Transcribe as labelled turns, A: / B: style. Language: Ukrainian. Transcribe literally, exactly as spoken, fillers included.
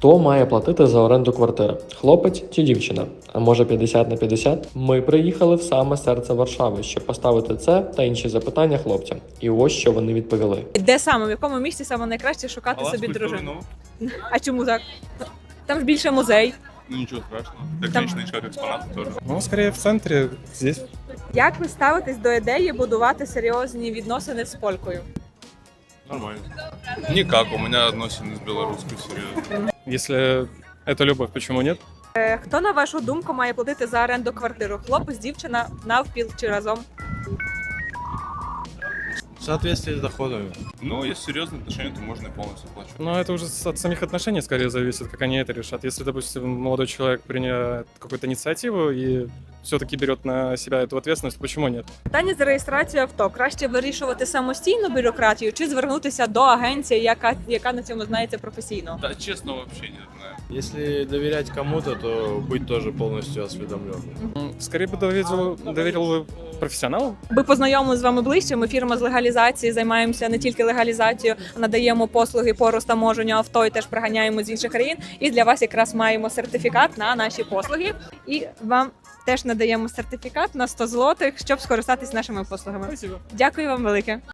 A: Хто має платити за оренду квартири? Хлопець чи дівчина? А може п'ятдесят на п'ятдесят? Ми приїхали в саме серце Варшави, щоб поставити це та інші запитання хлопцям. І ось що вони відповіли.
B: Де саме, в якому місці саме найкраще шукати собі дружину? А чому так? Там ж більше музей.
C: Ну, ничего страшного.
B: Там-
C: Техничный шаг экспонатов тоже.
D: Ну, скорее в центре, здесь.
B: Як ви ставитесь до ідеї будувати серйозні відносини з полькою?
C: Нормально. Никак, у меня отношения с белорусской серьезно.
D: Если это любовь, почему нет?
B: Е, Хто, на вашу думку, має платити за оренду квартиру? Хлопець, дівчина, навпіл чи разом?
E: В соответствии с доходами.
C: Ну, если серьезные отношения, то можно и полностью оплачивать.
D: Но это уже с- от самих отношений скорее зависит, как они это решат. Если, допустим, молодой человек принял какую-то инициативу и все-таки берет на себя эту ответственность, почему нет?
B: Питання за реєстрацію авто. Краще вирішувати самостійно бюрократію чи звернутися до агенції, яка, яка на цьому знається професійно?
C: Да, честно, вообще не знаю.
E: Если доверять кому-то, то быть тоже полностью осведомленным.
D: М, Скорее бы доверил, доверил бы профессионалу.
B: Ми познайомилися з вами ближче. Ми фірма з легалізації, займаємося не тільки легалізацією, а надаємо послуги по розтаможенню авто і теж приганяємо з інших країн. І для вас якраз маємо сертифікат на наші послуги. І вам теж надаємо сертифікат на сто злотих, щоб скористатись нашими послугами.
D: Спасибо.
B: Дякую вам велике.